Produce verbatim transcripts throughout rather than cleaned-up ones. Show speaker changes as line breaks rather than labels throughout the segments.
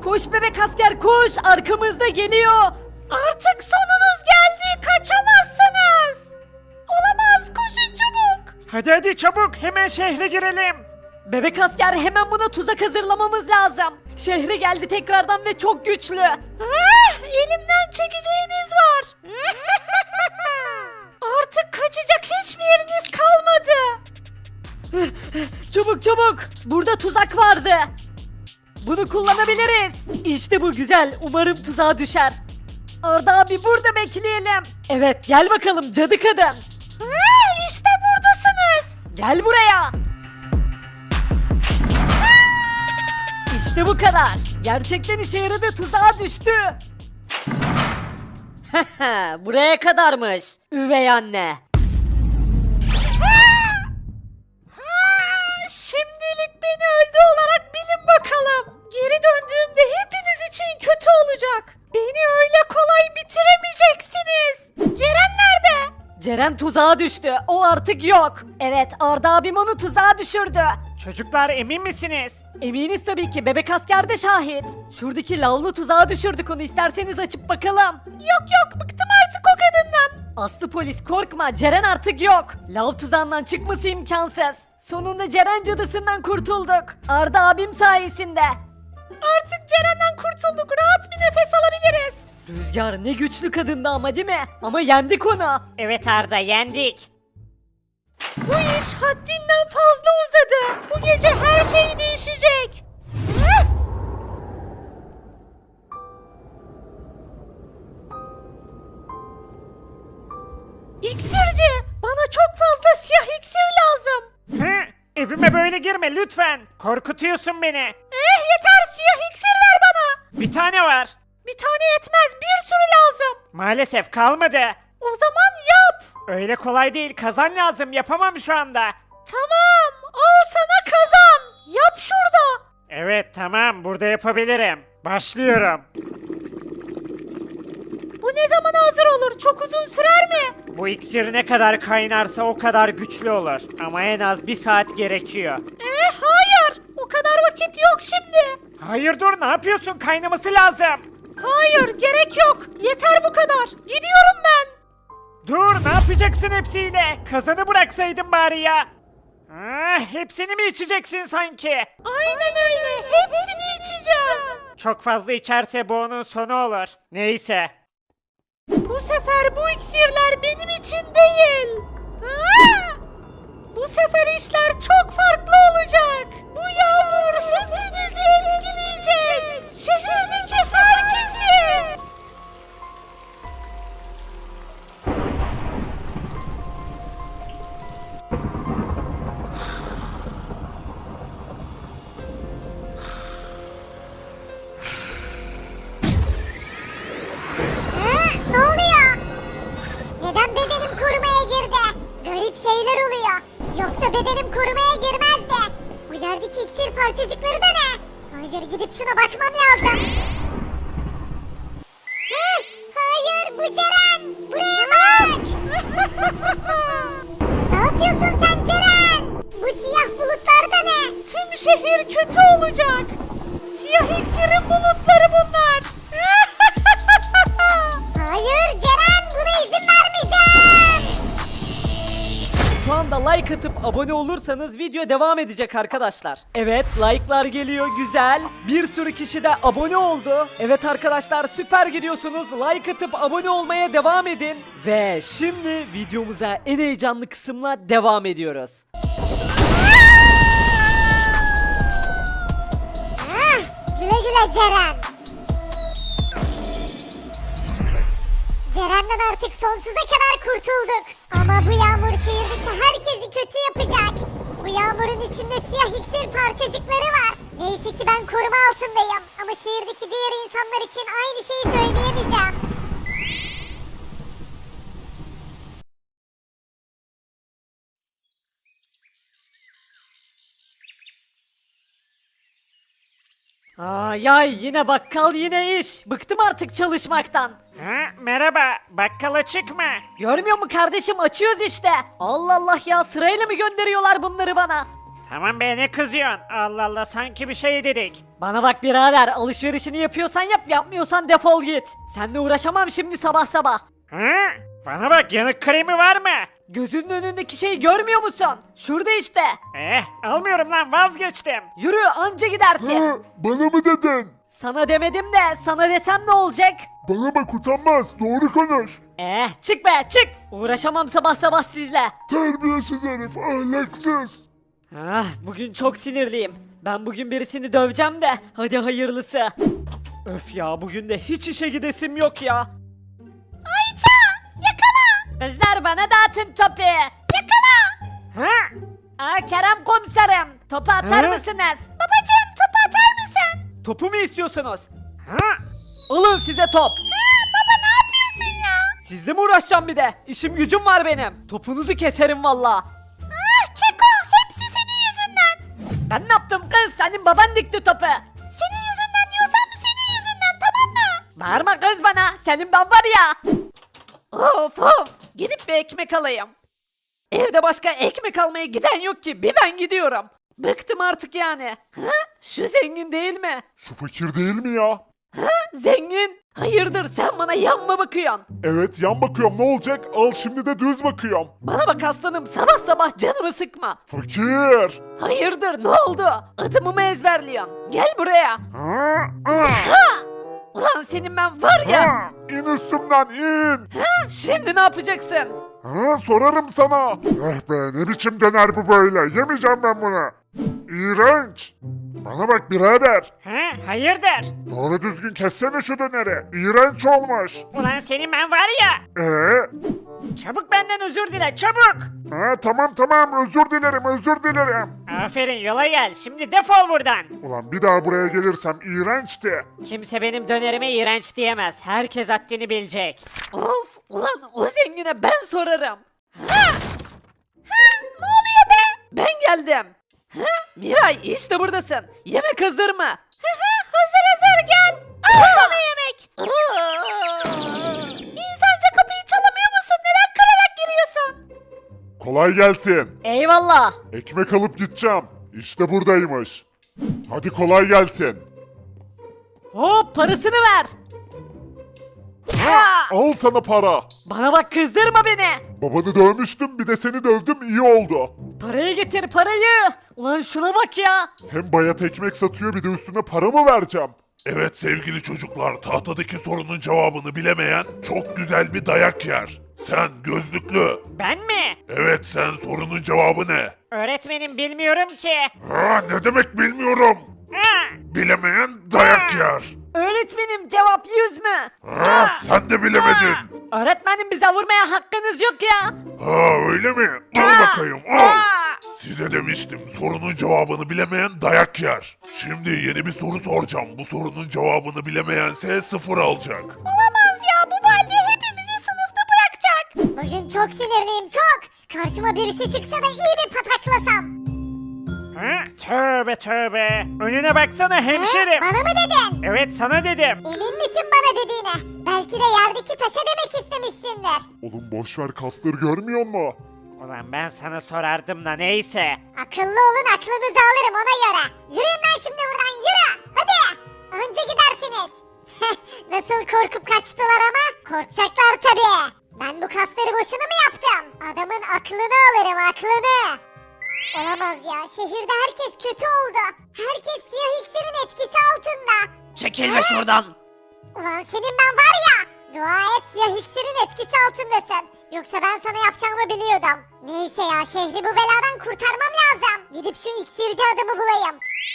Koş bebek asker koş, arkamızda geliyor. Artık sonunuz geldi, kaçamazsınız. Olamaz, koşun çabuk.
Hadi hadi çabuk hemen şehre girelim.
Bebek asker, hemen buna tuzak hazırlamamız lazım. Şehre geldi tekrardan ve çok güçlü. Ah, elimden çekeceğiniz var. Artık kaçacak hiçbir yeriniz kalmadı. Çabuk çabuk. Burada tuzak vardı. Bunu kullanabiliriz. İşte bu güzel. Umarım tuzağa düşer. Arda abi burada bekleyelim. Evet gel bakalım cadı kadın. İşte buradasınız. Gel buraya. İşte bu kadar. Gerçekten işe yaradı, tuzağa düştü. Buraya kadarmış. Üvey anne. Şimdilik beni öldü olarak bilin bakalım. Geri döndüğümde hepiniz için kötü olacak. Beni öyle kolay bitiremeyeceksiniz. Ceren nerede? Ceren tuzağa düştü. O artık yok. Evet, Arda abim onu tuzağa düşürdü.
Çocuklar emin misiniz?
Eminiz tabii ki, bebek asker de şahit. Şuradaki lavlı tuzağa düşürdük onu, isterseniz açıp bakalım. Yok yok, bıktım artık o kadından. Aslı polis korkma, Ceren artık yok. Lav tuzağından çıkması imkansız. Sonunda Ceren cadısından kurtulduk. Arda abim sayesinde. Artık Ceren'den kurtulduk, rahat bir nefes alabiliriz. Rüzgar ne güçlü kadındı ama, değil mi? Ama yendik onu.
Evet Arda yendik.
Bu iş haddinden fazla uzadı. Bu gece her şey değişecek. İksirci, bana çok fazla siyah iksir lazım.
Hı? Evime böyle girme lütfen. Korkutuyorsun beni.
Eh yeter, siyah iksir ver bana.
Bir tane var.
Bir tane yetmez, bir sürü lazım.
Maalesef kalmadı.
O zaman yap.
Öyle kolay değil, kazan lazım, yapamam şu anda.
Tamam, al sana kazan. Yap şurada.
Evet tamam, burada yapabilirim. Başlıyorum.
Bu ne zaman hazır olur? Çok uzun sürer mi?
Bu iksir ne kadar kaynarsa o kadar güçlü olur. Ama en az bir saat gerekiyor.
Eh hayır, o kadar vakit yok şimdi.
Hayır dur, ne yapıyorsun? Kaynaması lazım.
Hayır, gerek yok. Yeter bu kadar. Gidiyorum ben.
Dur, ne yapacaksın hepsiyle? Kazanı bıraksaydın bari ya. Ah, hepsini mi içeceksin sanki?
Aynen öyle. Hepsini içeceğim.
Çok fazla içerse bu onun sonu olur. Neyse.
Bu sefer bu iksirler benim için değil. Aa! Bu sefer işler çok farklı olacak. Bu yağmur hepinizi etkileyecek. Şehirdeki herkesi.
Ne oluyor? Neden bedenim korumaya girdi? Garip şeyler oluyor. Yoksa bedenim korumaya girmezdi. Bu yerdeki iksir parçacıkları da ne? Hayır, gidip şuna bakmam lazım. Hı, hayır, bu Ceren. Buraya bak. Ne yapıyorsun sen Ceren? Bu siyah bulutlar da ne?
Tüm şehir kötü olacak. Siyah iksirin bulutları bunlar.
Hayır Ceren, buna izin vermeyeceğim.
Şu anda like atıp abone olursanız video devam edecek arkadaşlar. Evet, like'lar geliyor, güzel. Bir sürü kişi de abone oldu. Evet arkadaşlar, süper gidiyorsunuz. Like atıp abone olmaya devam edin. Ve şimdi videomuza en heyecanlı kısımla devam ediyoruz.
Ah, güle güle Ceren. Ceren'den artık sonsuza kadar kurtulduk. Ama bu yağmur şehirdeki herkesi kötü yapacak. Bu yağmurun içinde siyah iksir parçacıkları var. Neyse ki ben koruma altındayım. Ama şehirdeki diğer insanlar için aynı şeyi söyleyemeyeceğim.
Ay ay, yine bakkal yine iş. Bıktım artık çalışmaktan.
Ha, merhaba, bakkal açık mı?
Görmüyor mu kardeşim, açıyoruz işte. Allah Allah ya, sırayla mı gönderiyorlar bunları bana?
Tamam be ne kızıyorsun? Allah Allah sanki bir şey dedik.
Bana bak birader, alışverişini yapıyorsan yap, yapmıyorsan defol git. Seninle uğraşamam şimdi sabah sabah.
Ha? Bana bak yanık kremi var mı?
Gözünün önündeki şeyi görmüyor musun? Şurada işte.
Eh almıyorum lan vazgeçtim.
Yürü, anca gidersin.
Ha, bana mı dedin?
Sana demedim de sana desem ne olacak?
Bana bak utanmaz. Doğru konuş.
Eh çık be çık. Uğraşamam sabah sabah sizle.
Terbiyesiz herif, ahlaksız.
Ah, bugün çok sinirliyim. Ben bugün birisini döveceğim de hadi hayırlısı. Öf ya, bugün de hiç işe gidesim yok ya. Ayça yakala. Kızlar bana dağıtın topu. Yakala.
Ha?
Aa, Kerem komiserim, topu atar
Hı?
mısınız? Babacığım topu atar mısın? Topu mu istiyorsunuz?
Ha?
Alın size top. Baba ne yapıyorsun ya? Sizle mi uğraşacağım bir de? İşim gücüm var benim. Topunuzu keserim valla. Ah Keko, hepsi senin yüzünden. Ben ne yaptım kız? Senin baban dikti topu. Senin yüzünden diyorsam senin yüzünden, tamam mı? Bağırma kız bana. Senin ben var ya. Of of. Gidip bir ekmek alayım. Evde başka ekmek almaya giden yok ki. Bir ben gidiyorum. Bıktım artık yani. Ha? Şu zengin değil mi?
Şu fakir değil mi ya?
Zengin. Hayırdır, sen bana yan mı bakıyorsun?
Evet, yan bakıyorum, ne olacak? Al şimdi de düz bakıyorum.
Bana bak aslanım, sabah sabah canımı sıkma.
Fakir.
Hayırdır, ne oldu? Adımı mı ezberliyorsun? Gel buraya.
Ha, ha,
Ha! Ulan senin ben var ya.
ha. İn üstümden in.
Ha, şimdi ne yapacaksın?
Ha, sorarım sana. Eh be, ne biçim döner bu böyle? Yemeyeceğim ben bunu. İğrenç. Bana bak birader.
Ha? Hayırdır?
Doğru düzgün kessene şu döneri. İğrenç olmuş.
Ulan senin ben var ya.
Ee?
Çabuk benden özür dile çabuk.
Ha, tamam tamam, özür dilerim özür dilerim.
Aferin yola gel şimdi defol buradan.
Ulan bir daha buraya gelirsem iğrençti.
Kimse benim dönerime iğrenç diyemez. Herkes haddini bilecek.
Of, ulan o zengine ben sorarım. Ha! Ha, ne oluyor be? Ben geldim. Ha? Miray, işte buradasın. Yemek hazır mı? Hazır hazır, gel. Al sana yemek. İnsanca kapıyı çalamıyor musun? Neden kırarak giriyorsun?
Kolay gelsin.
Eyvallah.
Ekmek alıp gideceğim. İşte buradaymış. Hadi kolay gelsin.
Hop, parasını ver. Ha!
Al sana para.
Bana bak, kızdırma beni.
Babanı dövmüştüm, bir de seni dövdüm, iyi oldu.
Parayı getir, parayı. Ulan şuna bak ya.
Hem bayat ekmek satıyor, bir de üstüne para mı vereceğim? Evet sevgili çocuklar, tahtadaki sorunun cevabını bilemeyen çok güzel bir dayak yer. Sen gözlüklü.
Ben mi?
Evet, sen, sorunun cevabı ne?
Öğretmenim bilmiyorum ki.
Ha, ne demek bilmiyorum.
Ha!
Bilemeyen dayak yer.
Öğretmenim, cevap yüz mü?
Ha, sen de bilemedin.
Öğretmenim, bize vurmaya hakkınız yok ya.
Ha, öyle mi? Al
Aa!
bakayım, al.
Aa!
Size demiştim, sorunun cevabını bilemeyen dayak yer. Şimdi yeni bir soru soracağım. Bu sorunun cevabını bilemeyense sıfır alacak.
Olamaz ya, bu balde hepimizi sınıfta bırakacak. Bugün çok sinirliyim, çok. Karşıma birisi çıksa da iyi bir pataklasam.
Ha? Tövbe tövbe. Önüne baksana
He?
hemşerim.
Bana mı dedin?
Evet sana dedim.
Emin misin bana dediğine? Belki de yerdeki taşa demek istemişsindir.
Oğlum boşver, kasları görmüyor mu?
Ulan ben sana sorardım da neyse.
Akıllı olun, aklınızı alırım ona göre. Yürüyün lan şimdi buradan, yürü. Hadi. Önce gidersiniz. Nasıl korkup kaçtılar ama? Korkacaklar tabii. Ben bu kasları boşuna mı yaptım? Adamın aklını alırım, aklını. Olamaz ya, şehirde herkes kötü oldu. Herkes siyah iksirin etkisi altında.
Çekilme şuradan.
Ulan senin ben var ya. Dua et siyah iksirin etkisi altındasın. Yoksa ben sana yapacağımı biliyordum. Neyse ya, şehri bu beladan kurtarmam lazım. Gidip şu iksirci adamı bulayım.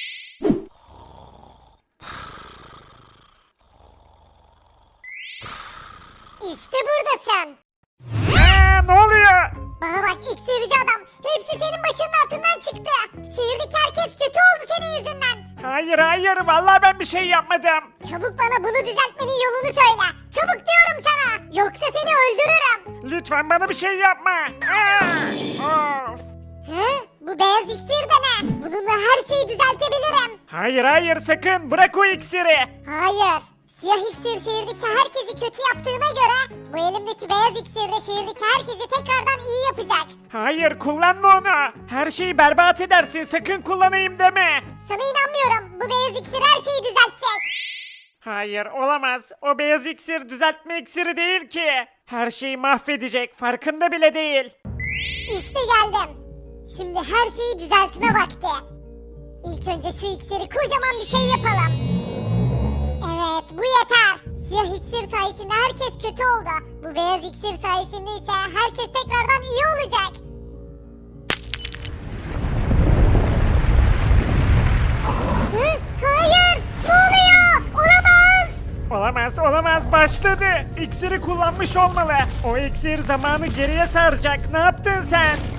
İşte buradasın.
Ha, ne oluyor?
Bana bak iksirci adam. Hepsi senin başının altından çıktı. Şehirdeki herkes kötü oldu senin yüzünden.
Hayır hayır vallahi ben bir şey yapmadım.
Çabuk bana bunu düzeltmenin yolunu söyle. Çabuk diyorum sana. Yoksa seni öldürürüm.
Lütfen bana bir şey yapma. Aa, of.
He? Bu beyaz iksir de ne? Bununla her şeyi düzeltebilirim.
Hayır hayır sakın bırak o iksiri.
Hayır. Siyah iksir şehirdeki herkesi kötü yaptığına göre bu elimdeki beyaz iksir de şehirdeki herkesi tekrardan iyi yapacak.
Hayır kullanma onu. Her şeyi berbat edersin sakın kullanayım deme.
Sana inanmıyorum. Bu beyaz iksir her şeyi düzeltecek.
Hayır olamaz. O beyaz iksir düzeltme iksiri değil ki. Her şeyi mahvedecek farkında bile değil.
İşte geldim. Şimdi her şeyi düzeltme vakti. İlk önce şu iksiri kocaman bir şey yapalım. Evet bu yeter. Siyah iksir sayesinde herkes kötü oldu. Bu beyaz iksir sayesinde ise herkes tekrardan iyi olacak. Hı? Hayır! Ne oluyor? Olamaz!
Olamaz olamaz başladı. İksiri kullanmış olmalı. O iksir zamanı geriye saracak. Ne yaptın sen?